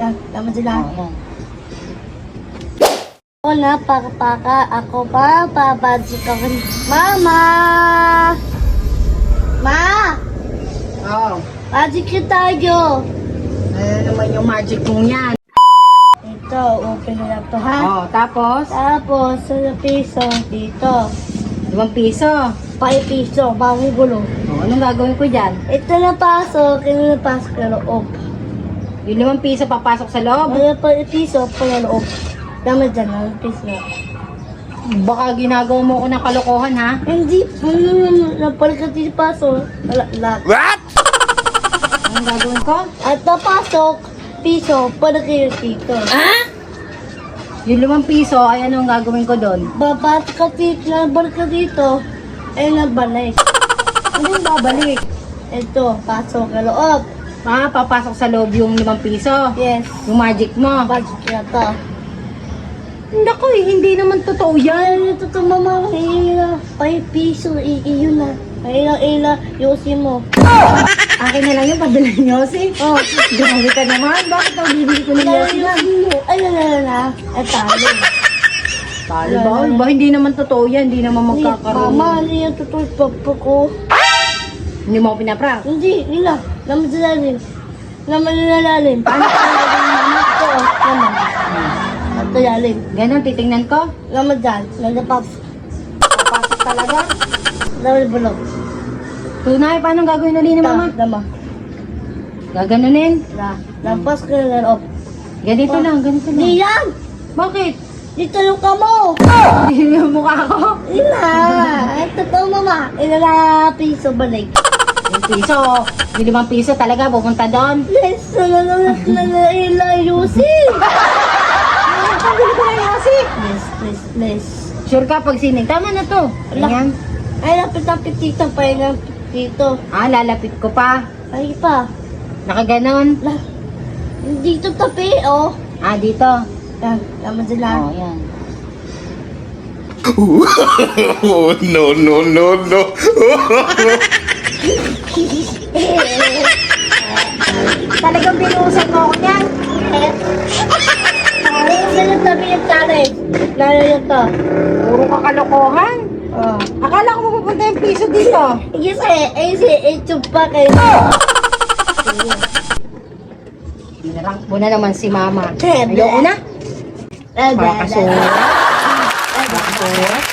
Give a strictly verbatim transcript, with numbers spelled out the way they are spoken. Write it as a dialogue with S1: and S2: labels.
S1: Yan, tama sila.
S2: Oh, yan.
S1: Ako na, paka-paka. Ako pa, papadsik ako. Mama! Ma!
S2: Oh.
S1: Magic yun tayo.
S2: Ano naman yung magic mong yan?
S1: Ito, open na lang to, ha?
S2: Oh, tapos?
S1: Tapos, sa piso, dito.
S2: Limang piso.
S1: five piso, bagong gulo.
S2: Oh, anong gagawin ko dyan?
S1: Ito na pasok, ito na pasok sa loob.
S2: Yung limang piso papasok sa loob?
S1: Ano pa piso, pa na loob. Dama dyan, ang piso.
S2: Baka ginagawa mo ko ng kalokohan, ha?
S1: Hindi, ano napalit ka dito pasok. Wala, lahat.
S3: What?
S2: Anong gagawin ko?
S1: At napasok, piso, para kayo dito.
S2: Yung limang piso, ay anong gagawin ko doon?
S1: Babat ka dito, nabalik ka dito, ay nabalik.
S2: Anong babalik?
S1: Ito, pasok sa loob.
S2: Ah, papasok sa loob yung limang piso.
S1: Yes,
S2: Yung magic mo.
S1: budget na to.
S2: Naku, eh, hindi naman totoo yan.
S1: Ay, ito to mama, ila, five piso, iyo na. Ila, ila, yosi mo.
S2: Akin na lang yung padala niyo, si.
S1: Oh,
S2: Grabe ka naman. Bakit ang bibili ko ng yosi yan?
S1: ay, na, na, na, ay, talo.
S2: Talo ba? Ay, ba? Hindi naman totoo yan. Hindi naman magkakaroon.
S1: Mama, hindi yung totoo yung pagpo ko.
S2: Hindi mo ako pinaprank.
S1: Hindi, nila, naman sa lalim. Naman na lalim. Paano ka naman? Ito, oh, naman. Ito lalim.
S2: Ganon, titingnan ko.
S1: Naman dyan, nagapap.
S2: Papasok talaga.
S1: Naman bulog.
S2: Tunay, paano gagawin ulit ni mama?
S1: Dama.
S2: Gaganunin.
S1: Na, lampas ka na loob.
S2: Ganito lang, ganito lang.
S1: Di yan!
S2: Bakit?
S1: Dito yung kamo!
S2: Hindi yung mukha ko.
S1: Ina! Ito to mama. Ina na piso balik.
S2: Yung piso, yung limang piso talaga, pupunta doon.
S1: Yes! Nalala na na ila yusin!
S2: Pabili ko na yosi.
S1: Please, please, please.
S2: Sure ka pag sining. Tama na to. Ganyan.
S1: Ay, lapit-lapit dito. Pahinga dito.
S2: Ah, lalapit ko pa.
S1: Ay pa.
S2: Nakaganon.
S1: La. Dito tapi, oh.
S2: Ah, dito.
S1: Yan, naman sila.
S2: Oh, yan.
S3: Oh, no, no, no, no.
S2: Talagang binuusan mo ako niyan.
S1: Ay, sila tabi yung challenge. Lalo yung to.
S2: Puro ka kalokohan.
S1: Oh.
S2: Akala ko mapupunta yung piso dito.
S1: Yes, eh, eh, si, eh, chupa kayo.
S2: Binarang mo na naman si mama.
S1: Tebe.
S2: Ayoko na.
S1: Eh,
S2: Baka
S1: bebe.
S2: surat. Baka surat.